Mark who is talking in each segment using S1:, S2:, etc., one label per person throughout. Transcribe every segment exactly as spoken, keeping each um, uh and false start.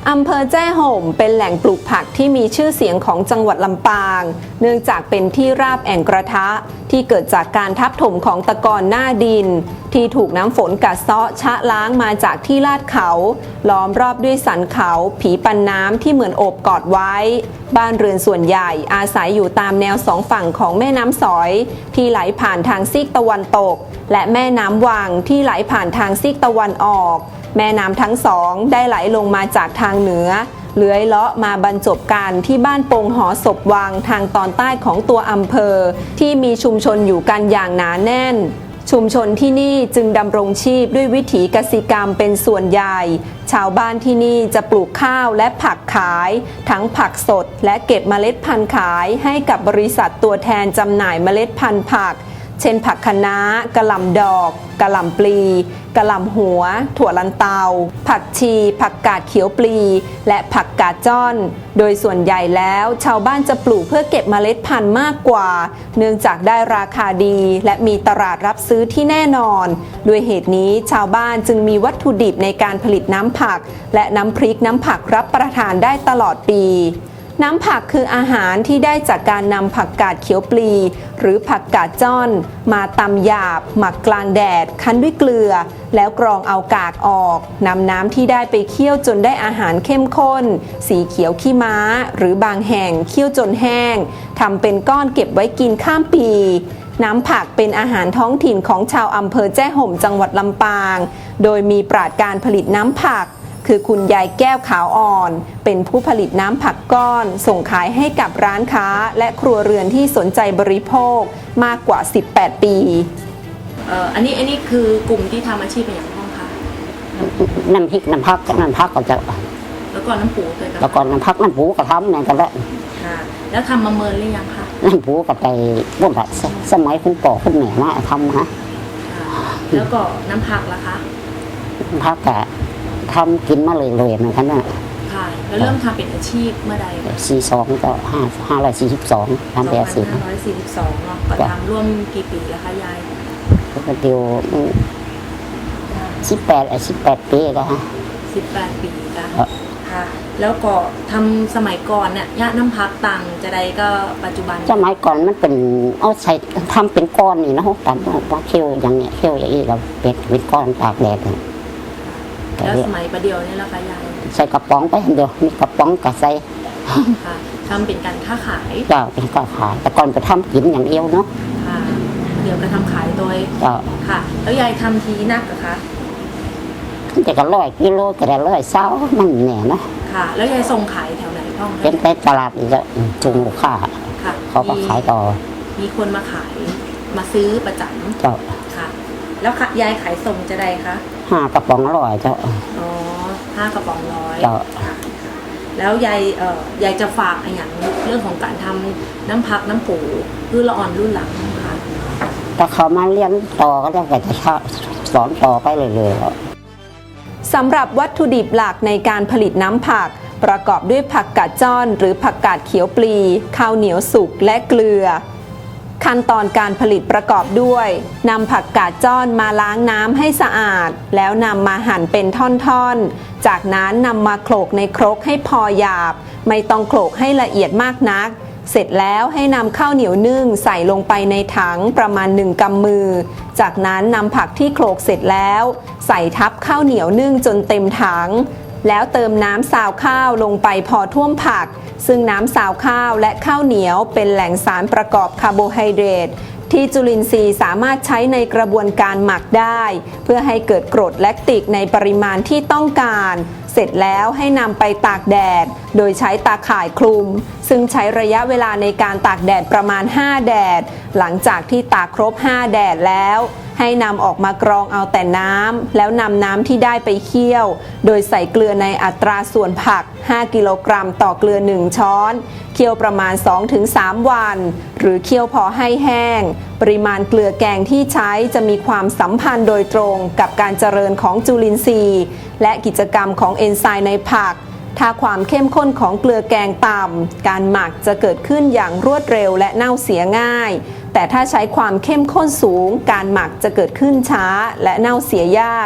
S1: อำเภอแจ้ห่มเป็นแหล่งปลูกผักที่มีชื่อเสียงของจังหวัดลำปางเนื่องจากเป็นที่ราบแอ่งกระทะที่เกิดจากการทับถมของตะกอนหน้าดินที่ถูกน้ำฝนกัดเซาะชะล้างมาจากที่ลาดเขาล้อมรอบด้วยสันเขาผีปันน้ำที่เหมือนโอบกอดไว้บ้านเรือนส่วนใหญ่อาศัยอยู่ตามแนวสองฝั่งของแม่น้ำสอยที่ไหลผ่านทางซีกตะวันตกและแม่น้ำวังที่ไหลผ่านทางซีกตะวันออกแม่น้ำทั้งสองได้ไหลลงมาจากทางเหนือเลื้อยเลาะมาบรรจบกันที่บ้านปงหอศพวังทางตอนใต้ของตัวอำเภอที่มีชุมชนอยู่กันอย่างหนาแน่นชุมชนที่นี่จึงดำรงชีพด้วยวิถีกสิกรรมเป็นส่วนใหญ่ชาวบ้านที่นี่จะปลูกข้าวและผักขายทั้งผักสดและเก็บเมล็ดพันธุ์ขายให้กับบริษัทตัวแทนจำหน่ายเมล็ดพันธุ์ผักเช่นผักคะน้ากะหล่ำดอกกะหล่ำปลีกะหล่ำหัวถั่วลันเตาผักชีผักกาดเขียวปลีและผักกาดจ้อนโดยส่วนใหญ่แล้วชาวบ้านจะปลูกเพื่อเก็บเมล็ดพันธุ์มากกว่าเนื่องจากได้ราคาดีและมีตลาดรับซื้อที่แน่นอนด้วยเหตุนี้ชาวบ้านจึงมีวัตถุดิบในการผลิตน้ำผักและน้ำพริกน้ำผักรับประทานได้ตลอดปีน้ำผักคืออาหารที่ได้จากการนำผักกาดเขียวปลีหรือผักกาดจ้อนมาตำหยาบหมักกลางแดดคั้นด้วยเกลือแล้วกรองเอากากออกนำน้ำที่ได้ไปเคี่ยวจนได้อาหารเข้มข้นสีเขียวขี้ม้าหรือบางแห่งเคี่ยวจนแห้งทำเป็นก้อนเก็บไว้กินข้ามปีน้ำผักเป็นอาหารท้องถิ่นของชาวอำเภอแจ้ห่มจังหวัดลำปางโดยมีปราชญ์การผลิตน้ำผักคือคุณยายแก้วขาวอ่อนเป็นผู้ผลิตน้ำผักก้อนส่งขายให้กับร้านค้าและครัวเรือนที่สนใจบริโภคมากกว่าสิบแปดปี
S2: เอ่ออันนี้อันนี้คือกลุ่มที่ทำอาชีพเป็นอย่างไรคะ
S3: น้ำพริกน้ำผักน้ำผักก็จะ
S2: แล้วก็น้ำปูเลย
S3: แล้วก็น้ำผักน้ำปูก็ทำเนี่ยกันแล้ว
S2: ค่ะแล้วทำมาเมินหรือยังคะ
S3: น้ำปูก็ไปบุญละสมัยคุณพ่อคุณแม่มาทำฮะ
S2: แล้วก็น้ำผักล่ะคะ
S3: น้ำผักก็ทำกินมาเลยเลยนะครับเนี่ย
S2: ค่ะแล้วเริ่มทำเป็นอาชีพเมื่อใด
S3: สี่สองก็ห้าห้าร้อยสี่สิบสองทำเป็นอาชีพ
S2: ห้าร้อยสี่สิบสองเนาะก็ทำร่วมกี่ปีแล้วคะยาย
S3: ก็เดียวสิบแปดไอ้สิบแปดปีแล้วฮะ
S2: สิบแปดปีค่ะค่ะแล้วก็ทำสมัยก่อนเนี่ยย่าน้ำพักตังจะได้ก็ปัจจุบัน
S3: สมัยก่อนมันเป็นเอาใส่ทำเป็นก้อนนี่นะฮะตามว่าเคี่ยวอย่างเนี้ยเคี่ยวอย่างนี้เราเป็ดเป็นก้อนตากแดด
S2: แล้วสมัยประเดี๋ยวนี่ละคะยาย
S3: ใส่กระป๋องไปเดียวมีกระป๋องกับใส่
S2: ค่ะทำเป็นการค้าขาย
S3: เจ้าเป็นการขายแต่ก่อนไปทำกินอย่างเดียวเนาะ
S2: ค่ะเดี๋ยวก็ทำขายโดย
S3: เจ้า
S2: ค่ะแล้วยายทำทีนักเหรอคะ
S3: แต่ก็ร้อยกิโลแต่ละร้อยเศร้ามันแหน่นะ
S2: ค่ะแล้วยายส่งขายแถวไหนพ่อ
S3: เป็นไปตลาดอีกแล้วจุงลูกค้า
S2: ค่ะ
S3: เขาก็ขายต่อ
S2: มีคนมาขายมาซื้อประจำ
S3: เจ้า
S2: ค่ะแล้วยายขายส่งจะได้คะ
S3: ห้ากระป๋องร้อยเจ้า
S2: อ๋อห้ากระป๋องร้อย
S3: เจ้า
S2: แล้วยายเอ่อยายจะฝากอย่างเรื่องของการทำน้ำพักน้ำปูรุ่นละอ่อนรุ่นหลังค่ะ
S3: ถ้าเขามาเรียนต่อก็จะจะสอนต่อไปเลย
S1: ๆสำหรับวัตถุดิบหลักในการผลิตน้ำผักประกอบด้วยผักกาดจ้อนหรือผักกาดเขียวปลีข้าวเหนียวสุกและเกลือขั้นตอนการผลิตประกอบด้วยนำผักกาดจ้อนมาล้างน้ำให้สะอาดแล้วนำมาหั่นเป็นท่อนๆจากนั้นนำมาโขลกในครกให้พอหยาบไม่ต้องโขลกให้ละเอียดมากนักเสร็จแล้วให้นำข้าวเหนียวนึ่งใส่ลงไปในถังประมาณหนึ่งกำมือจากนั้นนำผักที่โขลกเสร็จแล้วใส่ทับข้าวเหนียวนึ่งจนเต็มถังแล้วเติมน้ำซาวข้าวลงไปพอท่วมผักซึ่งน้ำซาวข้าวและข้าวเหนียวเป็นแหล่งสารประกอบคาร์โบไฮเดรตที่จุลินทรีย์สามารถใช้ในกระบวนการหมักได้เพื่อให้เกิดกรดแลคติกในปริมาณที่ต้องการเสร็จแล้วให้นำไปตากแดดโดยใช้ตาข่ายคลุมซึ่งใช้ระยะเวลาในการตากแดดประมาณห้าแดดหลังจากที่ตากครบห้าแดดแล้วให้นำออกมากรองเอาแต่น้ำแล้วนำน้ำที่ได้ไปเคี่ยวโดยใส่เกลือในอัตราส่วนผักห้ากิโลกรัมต่อเกลือหนึ่งช้อนเคี่ยวประมาณ สองถึงสาม วันหรือเคี่ยวพอให้แห้งปริมาณเกลือแกงที่ใช้จะมีความสัมพันธ์โดยตรงกับการเจริญของจุลินทรีย์และกิจกรรมของเอนไซม์ในผักถ้าความเข้มข้นของเกลือแกงต่ำการหมักจะเกิดขึ้นอย่างรวดเร็วและเน่าเสียง่ายแต่ถ้าใช้ความเข้มข้นสูงการหมักจะเกิดขึ้นช้าและเน่าเสียยาก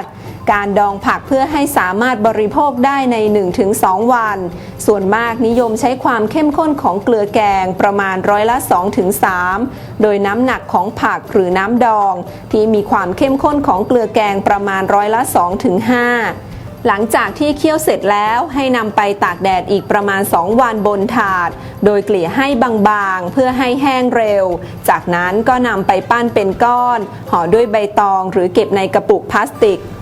S1: การดองผักเพื่อให้สามารถบริโภคได้ใน หนึ่งถึงสอง วันส่วนมากนิยมใช้ความเข้มข้นของเกลือแกงประมาณร้อยละ สองถึงสาม โดยน้ำหนักของผักหรือน้ำดองที่มีความเข้มข้นของเกลือแกงประมาณร้อยละ สองถึงห้าหลังจากที่เคี่ยวเสร็จแล้วให้นำไปตากแดดอีกประมาณสองวันบนถาดโดยเกลี่ยให้บางๆเพื่อให้แห้งเร็วจากนั้นก็นำไปปั้นเป็นก้อนห่อด้วยใบตองหรือเก็บในกระปุกพลาสติก